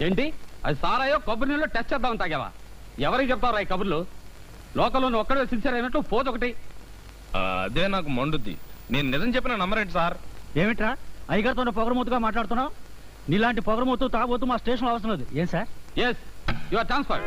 ఏంటి అది సారాయో కొబ్బరి నీళ్ళు టెస్ట్ చేద్దామని తాగావా? ఎవరికి చెప్తావు ఈ కబుర్లు? లోకల్లో నువ్వు ఒక్కడే సిన్సియర్ అయినట్టు పోదొకటి. అదే నాకు మండుద్ది. నేను నిజం చెప్పిన నమ్మరేంటి సార్? ఏమిట్రా అయ్యగారితో పొగరమూతుగా మాట్లాడుతున్నావు? నీలాంటి పొగరమూతు తాగబోతూ మా స్టేషన్ అవసరం లేదు. ఏం sir? Yes, you are transferred.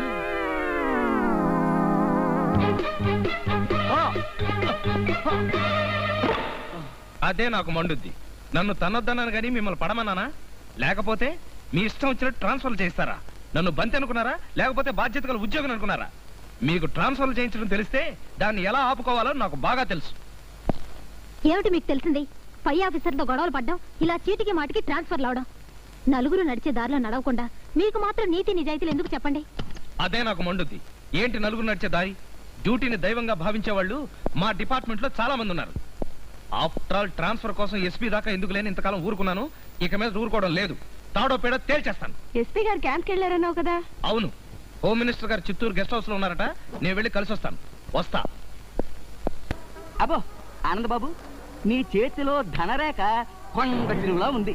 అదే నాకు మండుద్ది. నన్ను తనొద్దన్నాను కానీ మిమ్మల్ని పడమన్నానా? లేకపోతే మీ ఇష్టం వచ్చినట్టు ట్రాన్స్ఫర్ చేస్తారా? నన్ను బంతి అనుకున్నారా? లేకపోతే బాధ్యత గల ఉద్యోగం అనుకున్నారా? మీకు ట్రాన్స్ఫర్ చేయించడం తెలిస్తే దాన్ని ఎలా ఆపుకోవాలో నాకు బాగా తెలుసు. ఏమిటి మీకు తెలిసింది? పై ఆఫీసర్తో గొడవలు పడ్డం, ఇలా చీటికి మాటికి ట్రాన్స్ఫర్ అవడం. నలుగురు నడిచే దారిలో నడవకుండా మీకు మాత్రం నీతి నిజాయితీలు ఎందుకు చెప్పండి? అదే నాకు మండుద్ది. ఏంటి నలుగురు నడిచే దారి? డ్యూటీని దైవంగా భావించే వాళ్ళు మా డిపార్ట్మెంట్ లో చాలా మంది ఉన్నారు. ఆఫ్టర్ ఆల్ ట్రాన్స్ఫర్ కోసం ఎస్పీ దాకా ఎందుకు లేని ఇంతకాలం ఊరుకున్నాను. ఇక మీద ఊరుకోవడం లేదు. తాడో పేడో తేల్చేస్తాను. ఎస్పీ గారు క్యాంప్కి వెళ్ళారన్నావు కదా? అవును, హోమ్ మినిస్టర్ గారు చిత్తూరు గెస్ట్ హౌస్ లో ఉన్నారట. నేను వెళ్ళి కలిసి వస్తాను. వస్తా. అబ్బో ఆనంద్ బాబు, నీ చేతిలో ధనరేఖ కొండ చిరువులా ఉంది.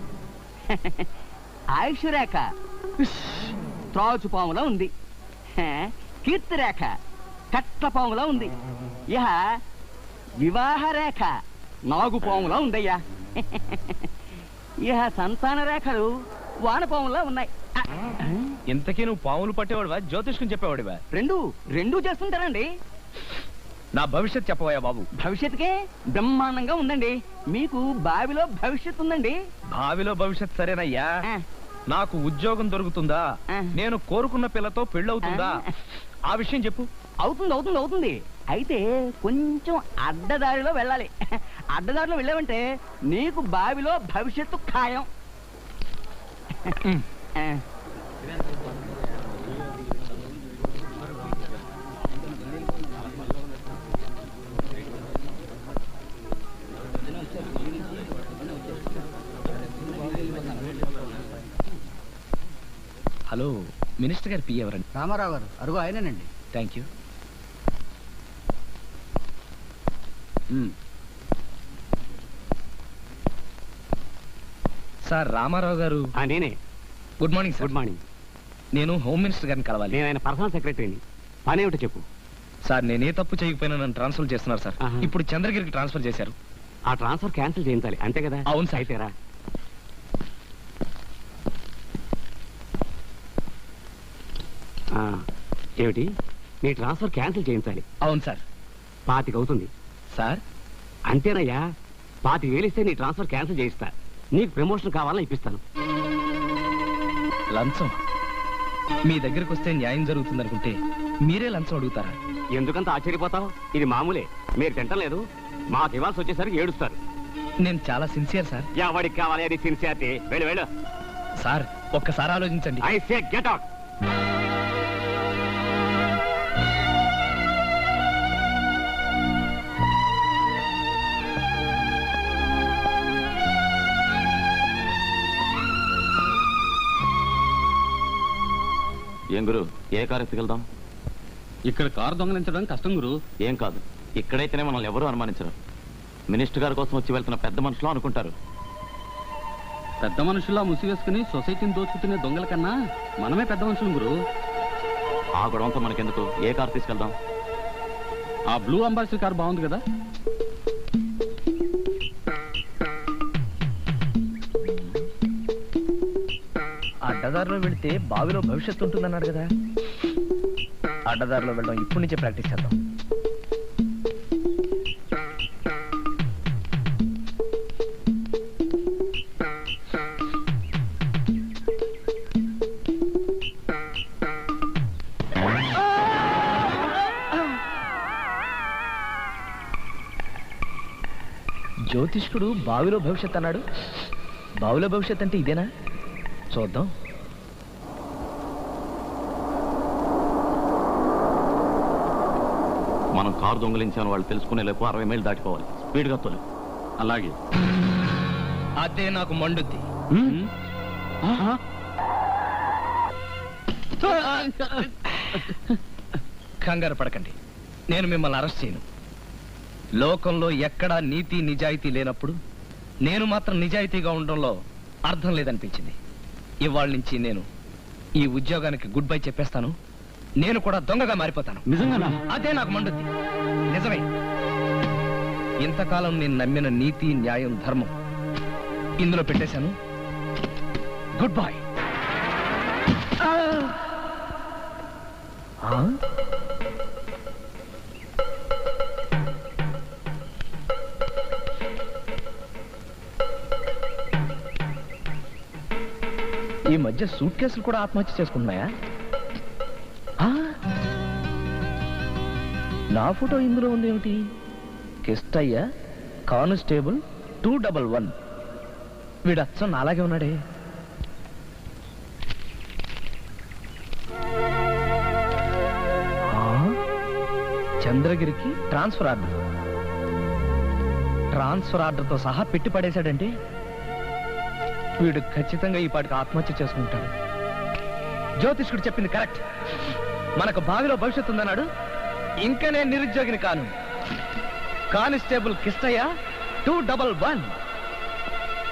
ఆయుష్ రేఖ త్రాచుపాములా ఉంది. కీర్తి రేఖ కట్లపాములా ఉంది. ఇహ వివాహ రేఖ నాగుపాములా ఉందయ్యా. ఇహ సంతాన రేఖలు వానపాములా ఉన్నాయి. ఇంతకీ నువ్వు పాములు పట్టేవాడివా, జ్యోతిష్కం చెప్పేవాడివా? రెండూ చేస్తుంటారండి. నా భవిష్యత్ చెప్పవయ్యా బాబు. భవిష్యత్తుకే బ్రహ్మాండంగా ఉందండి. మీకు బావిలో భవిష్యత్తు ఉందండి. భావిలో భవిష్యత్ సరేనయ్యా. నాకు ఉద్యోగం దొరుకుతుందా? నేను కోరుకున్న పిల్లతో పెళ్ళవుతుందా? ఆ విషయం చెప్పు. అవుతుంది. అయితే కొంచెం అడ్డదారిలో వెళ్ళాలి. అడ్డదారిలో వెళ్ళావంటే నీకు బావిలో భవిష్యత్తు ఖాయం. హలో, మినిస్టర్ గారు పి ఎవరండి? రామారావు గారు. అరుగు ఆయనేనండి. Thank you. సార్ రామారావు గారు. నేనే. Good morning sir. Good morning. నేను హోమ్ మినిస్టర్ గారిని కలవాలి. నేను ఆయన పర్సనల్ సెక్రటరీని. పనేమిటో చెప్పు. సార్ నేనే తప్పు చేయకపోయినా నన్ను ట్రాన్స్ఫర్ చేస్తున్నారు సార్. ఆహా. ఇప్పుడు చంద్రగిరికి ట్రాన్స్ఫర్ చేశారు. ఆ ట్రాన్స్ఫర్ క్యాన్సిల్ చేయించాలి అంతే కదా? అవును సార్. అయితేరా ఏమిటి? నీ ట్రాన్స్ఫర్ క్యాన్సిల్ చేయించాలి? అవును సార్. 25 అవుతుంది సార్. అంతేనయ్యా. 25,000 ఇస్తే నీ ట్రాన్స్ఫర్ క్యాన్సిల్ చేయిస్తా. నీకు ప్రమోషన్ కావాలని ఇప్పిస్తాను. లంచం? మీ దగ్గరకు వస్తే న్యాయం జరుగుతుంది అనుకుంటే మీరే లంచం అడుగుతారా? ఎందుకంత ఆశ్చర్యపోతావు? ఇది మామూలే. మీరు తింటలేదు, మాకు ఇవ్వాల్సి వచ్చేసరికి ఏడుస్తారు. నేను చాలా సిన్సియర్ సార్. ఎవరికి కావాలి అది సిన్సియారిటీ? వెళ్ళు. సార్ ఒక్కసారి ఆలోచించండి. I say get out. ఏం గురు, ఏ కారు ఎత్తుకెళ్దాం? ఇక్కడ కారు దొంగలించడం కష్టం గురు. ఏం కాదు, ఇక్కడైతేనే మనల్ని ఎవరూ అనుమానించరు. మినిస్టర్ గారి కోసం వచ్చి వెళ్తున్న పెద్ద మనుషులు అనుకుంటారు. పెద్ద మనుషుల్లా ముసివేసుకుని సొసైటీని దోచుకునే దొంగల కన్నా మనమే పెద్ద మనుషులు గురు. ఆ గొడవంతా మనకెందుకు, ఏ కారు తీసుకెళ్దాం? ఆ బ్లూ అంబాసిడర్ కారు బాగుంది కదా. అడ్డదారిలో వెళితే బావిలో భవిష్యత్తు ఉంటుందన్నాడు కదా. అడ్డదారిలో వెళ్ళడం ఇప్పటి నుంచే ప్రాక్టీస్ చేద్దాం. జ్యోతిష్కుడు బావిలో భవిష్యత్ అన్నాడు. బావిలో భవిష్యత్ అంటే ఇదేనా? చూద్దాం. మనం కారు దొంగలించామని వాళ్ళు తెలుసుకునే లేపు 60 మైళ్ళు దాటిపోవాలి. స్పీడ్గా తోలు. అలాగే. అదే నాకు మండుద్ది. కంగారు పడకండి, నేను మిమ్మల్ని అరెస్ట్ చేయను. లోకంలో ఎక్కడా నీతి నిజాయితీ లేనప్పుడు నేను మాత్రం నిజాయితీగా ఉండడంలో అర్థం లేదనిపించింది. ఇవాళ నుంచి నేను ఈ ఉద్యోగానికి గుడ్ బై చెప్పేస్తాను. నేను కూడా దొంగగా మారిపోతాను. నిజంగానా? అదే నాకు మండుద్ది. నిజమే. ఇంతకాలం నేను నమ్మిన నీతి, న్యాయం, ధర్మం ఇందులో పెట్టేశాను. Goodbye. ఈ మధ్య సూట్ కేసులు కూడా ఆత్మహత్య చేసుకుంటున్నాయా? నా ఫోటో ఇందులో ఉంది ఏమిటి? కిష్టయ్య, కానిస్టేబుల్ 211. వీడు అచ్చం అలాగే ఉన్నాడే. చంద్రగిరికి ట్రాన్స్ఫర్ ఆర్డర్. ట్రాన్స్ఫర్ ఆర్డర్తో సహా పెట్టి పడేశాడంటే వీడు ఖచ్చితంగా ఈ పాటికి ఆత్మహత్య చేసుకుంటాడు. జ్యోతిష్కుడు చెప్పింది కరెక్ట్. మనకు బావిలో భవిష్యత్తు ఉందన్నాడు. ఇంకా నేను నిరుద్యోగిని కాను. కానిస్టేబుల్ కిష్టయ్య 211.